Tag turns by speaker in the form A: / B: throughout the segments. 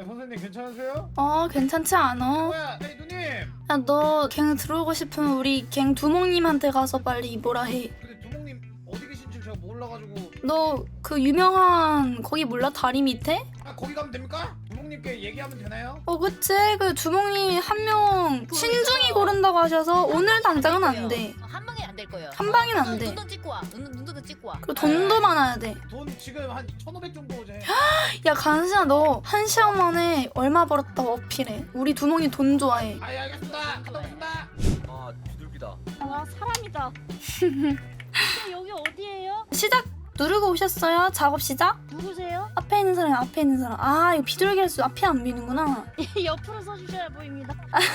A: 선생님 괜찮으세요?
B: 괜찮지 않아?
A: 뭐야? 아니 누님.
B: 야, 너 갱 들어오고 싶으면 우리 갱 두목님한테 가서 빨리 뭐라 해.
A: 근데 두목님 어디 계신지 제가 몰라가지고.
B: 너 그 유명한 거기 몰라? 다리 밑에?
A: 아 거기 가면 됩니까? 두목님께 얘기하면 되나요?
B: 그치? 그 두목님 한 명 신중히 고른다고 하셔서 오늘 당장은 안 돼.
C: 한 방에 안 될 거예요.
B: 한 방엔 안 돼.
C: 눈도 찍고 와. 눈도 찍고 와.
B: 그리고 돈도 많아야 돼.
A: 돈 지금 한 1,500 정도 제.
B: 야, 간신아, 너 한 시간 만에 얼마 벌었다고 어필해. 우리 두목이 돈 좋아해.
A: 아, 예, 알겠습니다. 갔다 오겠습니다.
D: 아 비둘기다.
E: 와 사람이다. 여기 어디예요?
B: 시작 누르고 오셨어요? 작업 시작?
E: 누구세요?
B: 앞에 있는 사람이 앞에 있는 사람. 아, 이거 비둘기라서 앞에 안 비는구나.
E: 옆으로 서주셔야 보입니다.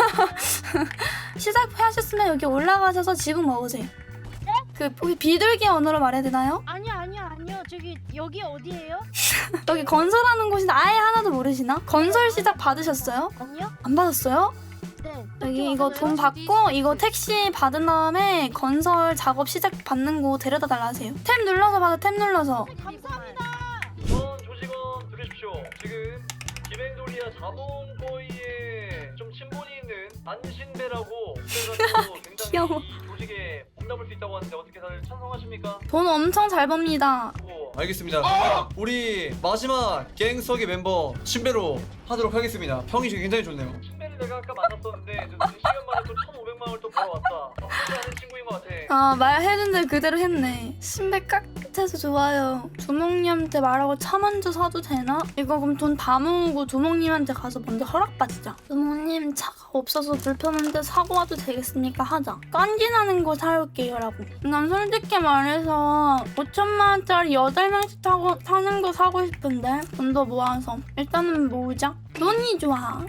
B: 시작하셨으면 여기 올라가셔서 지붕 먹으세요. 그 혹시 비둘기 언어로 말해야 되나요?
E: 아니요. 저기 여기 어디예요?
B: 여기 건설하는 곳인데 아예 하나도 모르시나? 건설 시작 받으셨어요?
E: 아니요?
B: 안 받았어요?
E: 네.
B: 여기 이거 돈 받고 이거 택시 받은 다음에 건설 작업 시작 받는 곳 데려다 달라 하세요. 탭 눌러서 받아. 탭 눌러서.
E: 감사합니다.
D: 전 조직원 들으십시오. 지금 김행돌이야 자본거위에 좀 친분이 있는 안신배라고 그래가지고 굉장히
B: 귀여워.
D: 이 조직에 몸담을 수 있다고 하는데 어떻게 다들 찬성하십니까?
B: 돈 엄청 잘 법니다.
D: 알겠습니다. 우리 마지막 갱석의 멤버 신배로 하도록 하겠습니다. 평이 지금 굉장히 좋네요. 신배를 내가 아까 만났었는데 2시간 만에 또 1,500만 원을 또 벌어왔다. 쉽지 않은 친구인 것 같아.
B: 말해준 대로 그대로 했네. 신배 깍듯해서 좋아요. 두목님한테 말하고 차 먼저 사도 되나? 이거 그럼 돈 다 모으고 두목님한테 가서 먼저 허락받자. 두목님 차가 없어서 불편한데 사고 와도 되겠습니까? 하자. 깐지나는 거 사올게요 라고. 난 솔직히 말해서 5천만 원짜리 8명씩 타고 사는 거 사고 싶은데 돈 더 모아서 일단은 모으자. 돈이 좋아.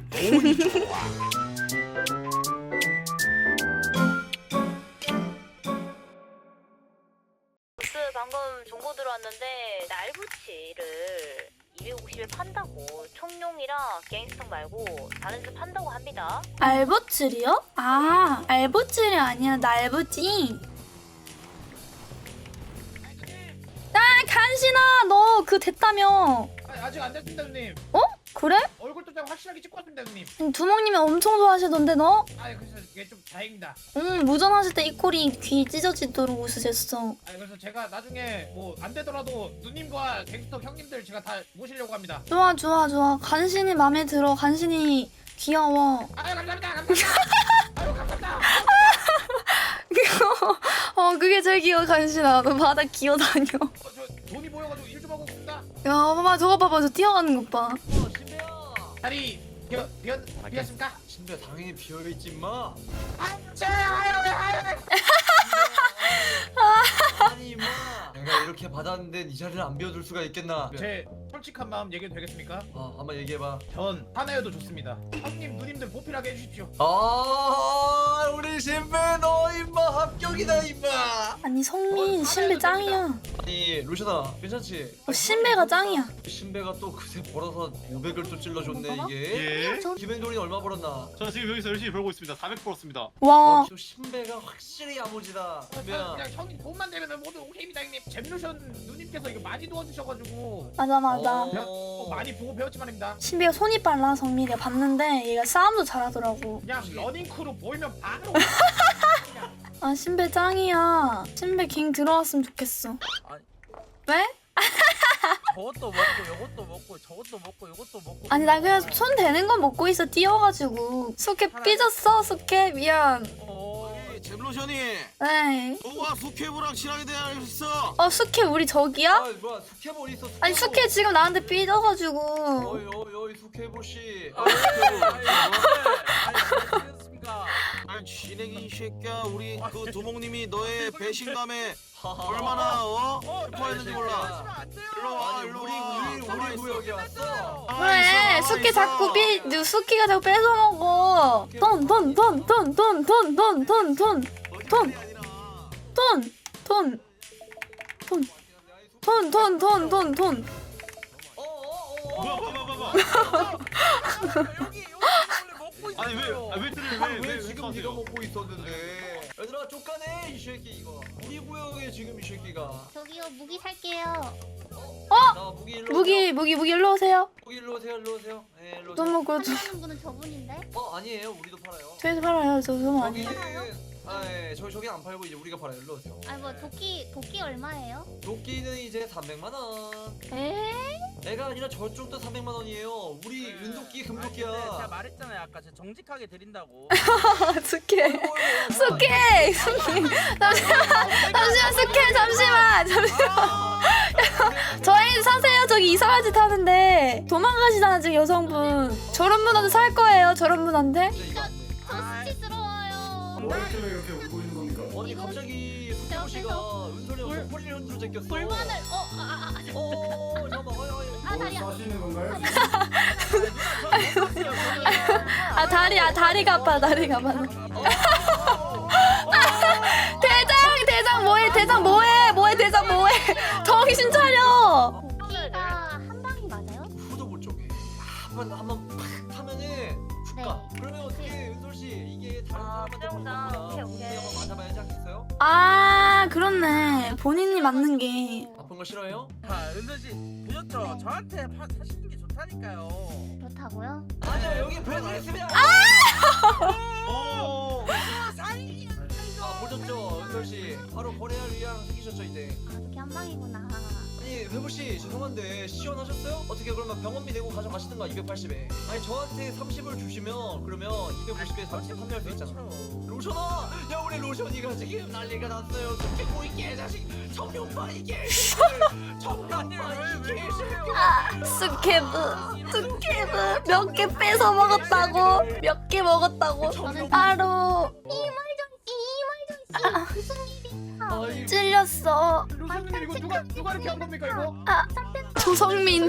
C: 방금 정보 들어왔는데 날부치를 250에 판다고 청룡이랑 갱스터 말고 다른 데 판다고 합니다.
B: 알보칠이요? 알보칠이 아니라 날보지. 간신아, 너 그 됐다며.
A: 아직 안 됐습니다, 누님.
B: 그래?
A: 얼굴도 좀 확실하게 찍고 왔습니다, 누님.
B: 두목님이 엄청 좋아하시던데 너?
A: 그래서 이게 좀 다행입니다.
B: 무전하실 때 이 꼴이 귀 찢어지도록 웃으셨어.
A: 그래서 제가 나중에 뭐 안 되더라도 누님과 갱스터 형님들 제가 다 모시려고 합니다.
B: 좋아. 간신이 맘에 들어. 간신이 귀여워.
A: 감사합니다. 감사합니다.
B: 그게 제일 귀여워. 간신아, 너 바다 기어다녀.
A: 저 돈이 모여가지고 일 좀 하고 있습니다.
B: 야, 봐봐, 저거 봐봐. 저 뛰어가는 것 봐.
D: 신배야.
A: 다리 비었습니까?
D: 신배 당연히 비어있지 마. 아니 임마. 내가 이렇게 받았는데 이 자리를 안 비워둘 수가 있겠나?
A: 제 솔직한 마음 얘기해도 되겠습니까?
D: 한번 얘기해봐.
A: 전 하나여도 좋습니다. 형님 누님들 보필하게 해주십시오.
D: 우리 신배 너 임마 합격이다 임마.
B: 아니, 성민, 신배 짱이야.
D: 아니 루시나 괜찮지?
B: 신배가 짱이야.
D: 신배가 또 그새 벌어서 500을 또 찔러줬네 이게.
F: 예?
D: 김행돌이는 얼마 벌었나?
F: 저 지금 여기서 열심히 벌고 있습니다. 400 벌었습니다.
B: 와.
D: 또 신배가 확실히 야무지다.
A: 그냥 형님 돈만 되면 모두 오케이입니다, 형님. 잼루션 누님께서 이거 많이 도와주셔가지고
B: 맞아.
A: 많이 보고 배웠지만입니다.
B: 신비가 손이 빨라. 성민이가 봤는데 얘가 싸움도 잘하더라고.
A: 그냥 러닝 크루 보이면 바로.
B: 신비 짱이야. 신비 갱 들어왔으면 좋겠어.
G: 아니.
B: 왜?
G: 저것도 먹고 요것도 먹고 저것도 먹고 요것도 먹고.
B: 아니, 나 그냥 손 대는 거 먹고 있어. 뛰어가지고. 숙회 삐졌어. 숙회 미안.
H: 잼로션이
B: 네.
H: 너와 숙회부랑 친하게 대하였어.
B: 숙회 우리 저기야?
D: 뭐야 숙회볼 있어.
B: 아니, 숙회 지금 나한테 삐져가지고.
D: 어이 숙회볼 씨.
H: 아니 진행이 이 새끼야. 우리 그 두목님이 너의 배신감에 얼마나 슬퍼했는지 몰라. 일로 와 일로 와.
D: 우리 구역에 왔어.
B: 그래, 숙회 자꾸 숙회가 자꾸 뺏어 먹어. 돈.
F: 아니 왜
D: 지금 네가 먹고 있었는데. 얘들아 쫓가네 이 새끼 이거. 우리 구역에 지금 이 새끼가.
C: 저기요 무기 살게요.
D: 나 무기 일로.
B: 무기 일로 오세요.
D: 여기 일로 오세요, 일로 오세요. 네, 일로 오세요.
B: 너무 그래도
E: 하는 분은 저분인데?
D: 아니에요, 우리도 팔아요.
B: 저희도 팔아요. 저 소문 아니에요.
D: 저기는 예, 저기 안 팔고 이제 우리가 팔아요. 일로 오세요.
E: 아니 뭐 도끼 얼마예요?
D: 도끼는 이제 300만 원. 애가 아니라 저쪽도 300만 원이에요. 우리 윤도끼 금도끼야.
G: 제가 말했잖아요 아까 제가 정직하게 드린다고.
B: 스케 잠시만 스케 잠시만 저희 사세요. 저기 이상한 짓 하는데 도망가시잖아 지금 여성분. 저런 분한테 살 거예요. 저런 분한테.
D: 이거 안 돼.
E: 저 수치스러워요.
I: 때문에 이렇게 울고 있는 겁니까?
D: 아니 갑자기 숙제모 씨가 은솔이 소리를 흔들어 제꼈어.
E: 불만을
D: 잠깐만.
E: 아 다리야.
I: 싸시는 건가요?
B: 아 다리가 아파. 다리가 아파. 대장 뭐해? 대장 뭐해? 정신 차려.
E: 도끼가 한 방이 맞아요?
D: 후두부 쪽에 한번 팍 타면은 죽가.
E: 네.
D: 그러면 어떻게 은솔 씨 이게 다른 사람한테
C: 수영장.
D: 보는
C: 오케이,
D: 거보다
C: 오케이.
D: 한번 맞아봐야지 않겠어요?
B: 아 그렇네. 본인이 맞는 게.
D: 아픈 거 싫어요?
G: 아 은선 씨 보셨죠? 저한테 사시는 게 좋다니까요.
E: 그렇다고요?
D: 아니요 여기 보여드리겠습니다 보셨죠 은솔 씨 바로 거래할 의향 생기셨죠 이제.
E: 아 도끼 한 방이구나.
D: 아니 회부 씨 죄송한데 시원하셨어요? 어떻게 그러면 병원비 내고 가져가시든가 280에. 아니 저한테 30을 주시면 그러면 250에 30 판매할 수 있잖아. 로션아! 야 우리 로션이가 지금 난리가 났어요. 스케보이 개자식 성룡파 이 개새끼 정룡파 이 개새끼.
B: 스케브 몇 개 뺏어 먹었다고. 몇 개 먹었다고. 바로
E: 무슨 일이야?
D: 아이
B: 찔렸어.
A: 루시님 이거 누가 이렇게 한 겁니까 이거?
B: 조성민.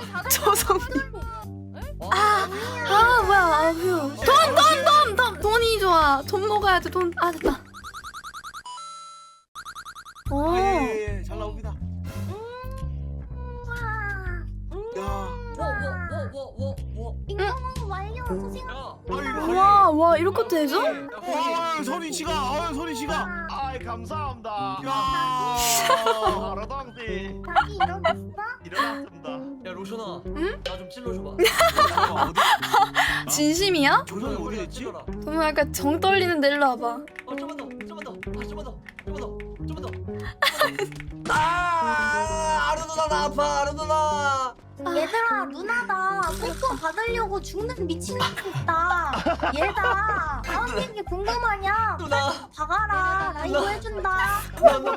D: 아
B: 뭐야. 아휴. 돈. 돈이 좋아. 돈 먹어야 돼. 돈. 아 됐다. 오.
H: 잘 나옵니다. 야.
E: 인공호흡 완료. 소식.
B: 와 이렇게 되죠?
H: 선희 씨가, 선희 씨가.
F: 아이 감사합니다.
H: 야.
F: 바로당시
E: 자기 일어났어?
F: 일어났습니다.
D: 야 로션아
B: 응?
D: 나 좀 찔러줘봐.
B: 진심이야?
H: 조정이 어디 있지?
D: 찔러라.
B: 너무 약간 정 떨리는데 일로 와봐.
D: 좀만 더 아루 누나 나 아파 아루 누나.
E: 얘들아 누나가 뽀뽀 받으려고 죽는 미친놈이 있다. 얘다. 다음 얘기 궁금하냐?
D: 누나
E: 박아라. 나 이거 해준다.
D: 나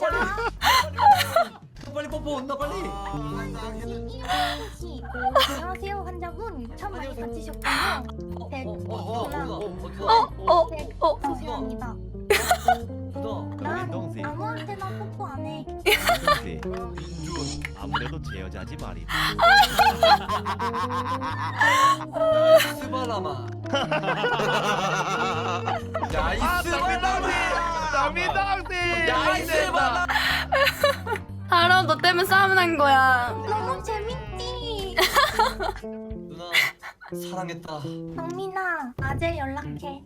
D: 빨리 뽀뽀 온다 빨리.
E: 안녕하세요 환자분. 참 많이 다치셨군요. 네, 소시입니다. 난 아무한테나 뽀뽀 안 해.
F: 민준 아무래도 제 여자지 말이.
D: 스바라마. 야 이스바라마. 야 이스바라마.
B: 알아 너 때문에 싸움 난 거야.
E: 너무 재밌지.
D: 누나 사랑했다.
E: 경민아, 낮에 연락해.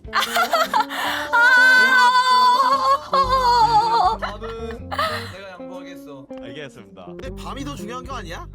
D: 밤은 내가 양보하겠어.
F: 알겠습니다.
H: 근데 밤이 더 중요한 거 아니야?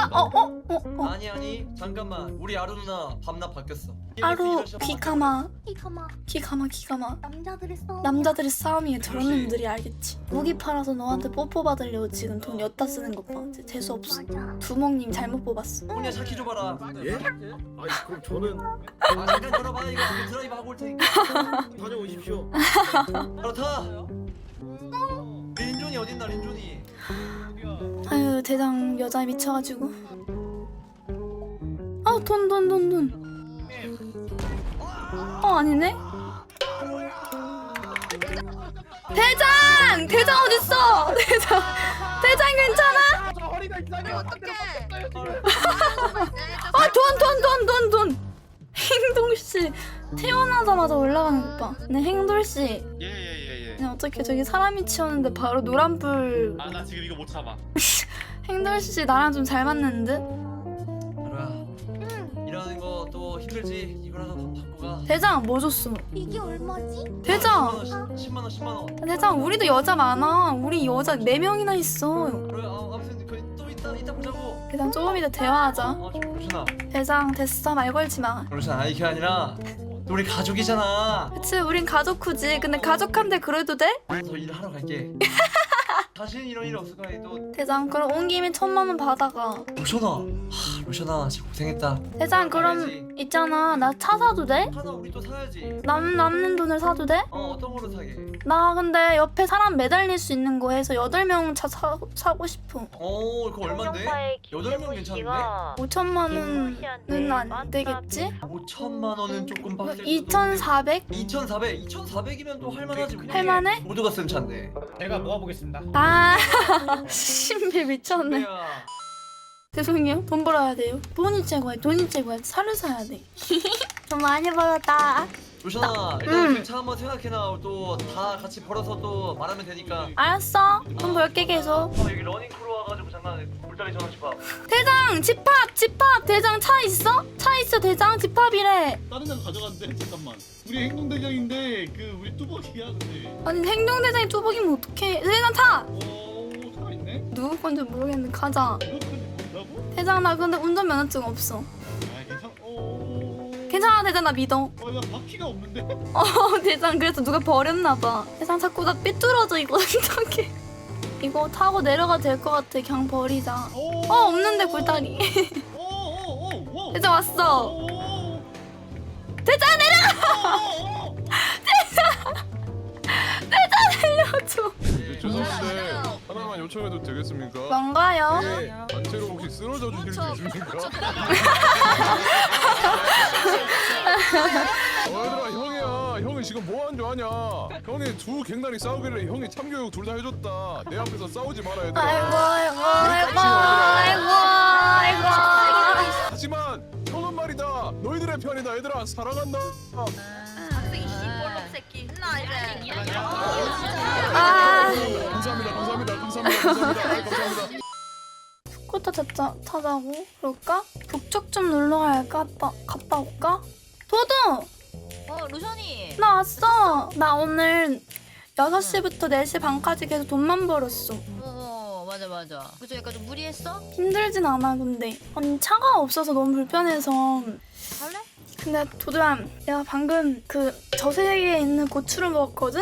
D: 아니 잠깐만 우리 아루 누나 밤낮 바뀌었어.
B: 아루 기가마
E: 이가마
B: 기가마.
E: 남자들의 싸움.
B: 남자들의 싸움이야. 저런
D: 그렇지.
B: 놈들이 알겠지. 무기 팔아서 너한테 뽀뽀 받으려고 지금 돈 엿다 쓰는 것 봐. 재수 없어.
E: 맞아.
B: 두목님 잘못 뽑았어.
D: 혼자 차키 줘봐라.
H: 예? 아니 그럼 저는
D: 아 잠깐 들어봐 이거 드라이브 하고 올 테니까.
H: 다녀오십시오.
D: 바로 타. 린존이 어딨나 린존이.
B: 아유 대장 여자에 미쳐가지고. 아 돈. 아니네. 대장 어딨어? 대장 괜찮아?
A: 저 허리가 이상해. 어떡해.
B: 돈. 행돌 씨 태어나자마자 올라가는 것 봐. 네 행돌 씨.
F: 예예예 예.
B: 그냥 어떻게 저기 사람이 치웠는데 바로 노란불.
F: 아 나 지금 이거 못 참아.
B: 행돌 씨 나랑 좀 잘 맞는 듯?
D: 아루야 일하는 거 또 힘들지. 이거라도 받고 가.
B: 대장 뭐 줬어?
E: 이게 얼마지?
B: 대장
D: 10만 원.
B: 대장 우리도 여자 많아. 우리 여자 4명이나 있어.
D: 그래 아무튼 그 또 이따 보자고.
B: 대장 조금 이따 대화하자.
D: 로션아.
B: 대장 됐어 말 걸지 마.
D: 로션 아니 그게 아니라 또 우리 가족이잖아.
B: 그치 우린 가족후지. 근데 가족한테 그래도 돼?
D: 더 일하러 갈게. 다시는 이런 일 없을 거야. 또
B: 대장 그럼 온 김에 1000만 원 받아가.
D: 로션아 진짜 고생했다.
B: 대장 그럼
D: 가야지.
B: 있잖아 나 차 사도 돼?
D: 하나 우리 또 사야지.
B: 남는 돈을 사도 돼?
D: 어떤 거로 사게?
B: 나 근데 옆에 사람 매달릴 수 있는 거 해서 8명 차 사고 싶어.
D: 그거 얼만데?
C: 청룡파의
D: 8명 괜찮은데?
C: 씨가
B: 5천만 원은 안 되겠지?
D: 5천만 원은 조금 빡세.
B: 2,400?
D: 2,400이면 또 할만하지. 우리
B: 할만해?
D: 모두가 쓴 차인데.
A: 제가 모아보겠습니다.
B: 아 신비 미쳤네.
D: 선배야.
B: 죄송해요. 돈 벌어야 돼요. 돈이 최고야. 차를 사야 돼. 돈 많이 벌었다.
D: 로션아 일단 차 한번 생각해놔. 또 다 같이 벌어서 또 말하면 되니까.
B: 알았어. 돈 벌게 계속.
D: 여기 러닝크루 와가지고 잠깐 물다리 전화씩 봐.
B: 대장 집합. 대장 차 있어? 차 있어 대장 집합이래.
F: 다른 데 가져간대. 잠깐만. 우리 행동대장인데 그 우리 뚜벅이야 근데.
B: 아니 행동대장이 뚜벅이면 어떡해. 대장 타.
F: 차 있네.
B: 누구 건지 모르겠는데 가자.
F: 이거 뭔다고?
B: 대장 나 근데 운전면허증 없어.
F: 아 괜찮.
B: 괜찮아 대장 나 믿어.
F: 나 바퀴가 없는데.
B: 대장 그래서 누가 버렸나봐. 대장 자꾸 나 삐뚤어져 이거 어떡해. 이거 타고 내려가도 될 것 같아. 그냥 버리자. 없는데 굴다리. 대장 왔어. 대장 내려가. 대장 내려줘.
J: 죄송한데 하나만 요청해도 되겠습니까?
B: 뭔가요?
J: 단체로 혹시 쓰러져 주실 수 있습니까? 얘들아 형이야. 형이 지금 뭐 한 줄 아냐? 형이 두 갱단이 싸우길래 형이 참교육 둘 다 해줬다. 내 앞에서 싸우지 마라 얘들아.
B: 아이고.
J: 하지만 형은 말이다. 너희들의 편이다 얘들아. 사랑한다. 감사합니다.
B: 스쿠터 타자고? 그럴까? 북쪽 좀 놀러 갈까? 갔다 올까? 도도!
C: 루션이.
B: 나 왔어! 나 오늘 6시부터 4시 반까지 계속 돈만 벌었어.
C: 맞아. 그죠? 약간 좀 무리했어?
B: 힘들진 않아 근데. 아니 차가 없어서 너무 불편해서.
C: 할래?
B: 근데 도도야 내가 방금 그 저세계에 있는 고추를 먹었거든?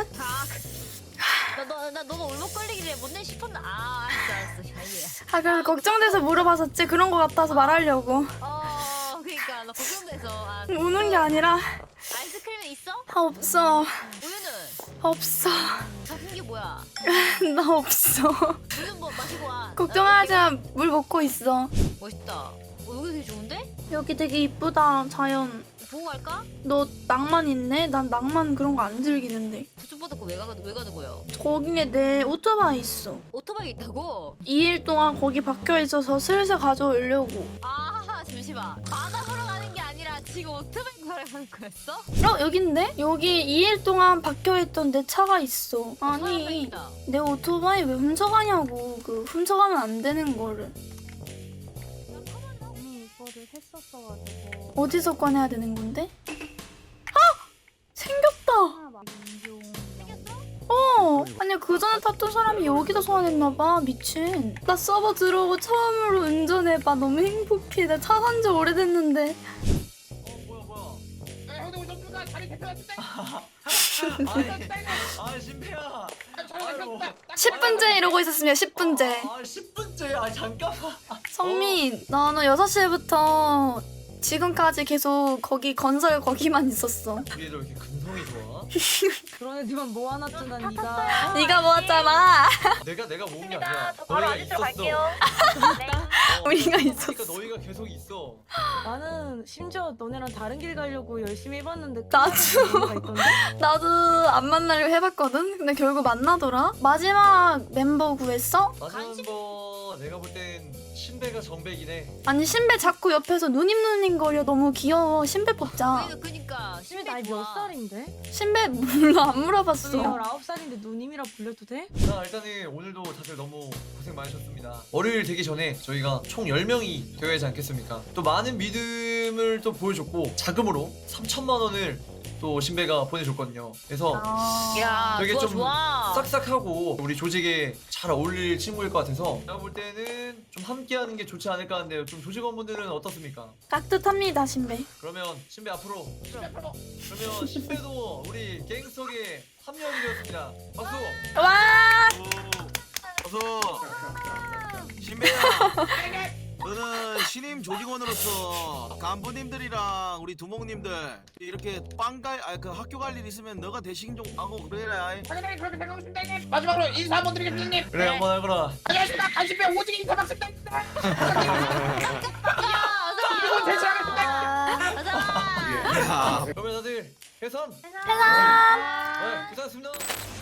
C: 너가 울먹거리길래 못내 싶었나? 알았어.
B: 아 그래서 걱정돼서 물어봤었지. 그런 거 같아서 말하려고.
C: 그러니까 나 걱정돼서.
B: 우는 게 아니라
C: 아이스크림은 있어?
B: 없어.
C: 우유는?
B: 없어.
C: 작은 게 뭐야?
B: 나 없어.
C: 우유 뭐 마시고 와.
B: 걱정하지 마. 물 먹고 있어.
C: 멋있다. 여기 되게 좋은데?
B: 여기 되게 이쁘다 자연.
C: 보고 갈까?
B: 너 낭만 있네? 난 낭만 그런 거 안 즐기는데.
C: 부츠보다 왜 가는 거야?
B: 거기에 내 오토바이 있어.
C: 오토바이 있다고?
B: 2일 동안 거기 박혀 있어서 슬슬 가져오려고.
C: 잠시만. 바다 보러 가는 게 아니라 지금 오토바이 보러 가는 거였어?
B: 여긴데? 여기 2일 동안 박혀있던 내 차가 있어. 아니 내 오토바이 왜 훔쳐가냐고. 그 훔쳐가면 안 되는 거를.
E: 이거를 했었어가지고
B: 어디서 꺼내야 되는 건데? 생겼다. 아니 그 전에 탔던 사람이 여기다 소환했나봐. 미친. 나 서버 들어오고 처음으로 운전해봐. 너무 행복해. 나 차 산 지 오래됐는데.
D: 뭐야.
A: 형들 운전수가 자리 대표한테.
D: 신배야.
B: 10분째 이러고 있었으면 10분째.
D: 10분째. 잠깐만.
B: 성민, 나는 6시부터 지금까지 계속 거기 건설 거기만 있었어.
D: 이게 너 이렇게 근성이 좋아?
E: 그런 애들만 모아놨잖아 니가.
B: 네가 모았잖아.
D: 내가 모은 게 아니라
C: 저 바로
D: 너희가
C: 앉으러
D: 있었어.
C: 갈게요. 네.
B: 우리가 있었어.
D: 그러니까 너희가 계속 있어.
E: 나는 심지어 너네랑 다른 길 가려고 열심히 해봤는데
B: 나도.
E: 의미가 있던데?
B: 나도 안 만나려고 해봤거든? 근데 결국 만나더라? 마지막 멤버 구했어?
D: 마지막 멤버 내가 볼 땐 신배가 정백이네.
B: 아니 신배 자꾸 옆에서 누님 거려. 너무 귀여워. 신배 뽑자.
C: 그니까
E: 심해 나이 몇 살인데?
B: 신배 몰라. 안 물어봤어.
E: 19살인데 누님이라 불려도 돼?
D: 자 일단은 오늘도 다들 너무 고생 많으셨습니다. 월요일 되기 전에 저희가 총 10명이 되어야 하지 않겠습니까? 또 많은 믿음을 또 보여줬고 자금으로 3,000만 원을 또 신배가 보내줬거든요. 그래서
C: 야,
D: 되게
C: 좋아,
D: 좀
C: 좋아.
D: 싹싹하고 우리 조직에 잘 어울릴 친구일 것 같아서 제가 볼 때는 좀 함께하는 게 좋지 않을까 하는데요. 좀 조직원분들은 어떻습니까?
B: 깍듯합니다 신배.
D: 그러면 신배 앞으로. 그러면 신배도 우리 갱스톡에 합류하게 되었습니다. 박수.
B: 와
H: 어서 신배야. 너는 신임 조직원으로서 간부님들이랑 우리 두목님들 이렇게 그 학교 갈 일 있으면 너가 대신 좀 하고 그래라.
A: 당연히 그렇게 생각하십니다 형님. 마지막으로 인사 한번 드리겠습니다 형님.
D: 그래 한번 하거라.
A: 안녕하십니까 간신배 오지게 인사 받습니다. 그리고 대신하겠습니다.
H: 야.
D: 그러면 다들 해산.
B: 해산.
D: 네, 고생하셨습니다.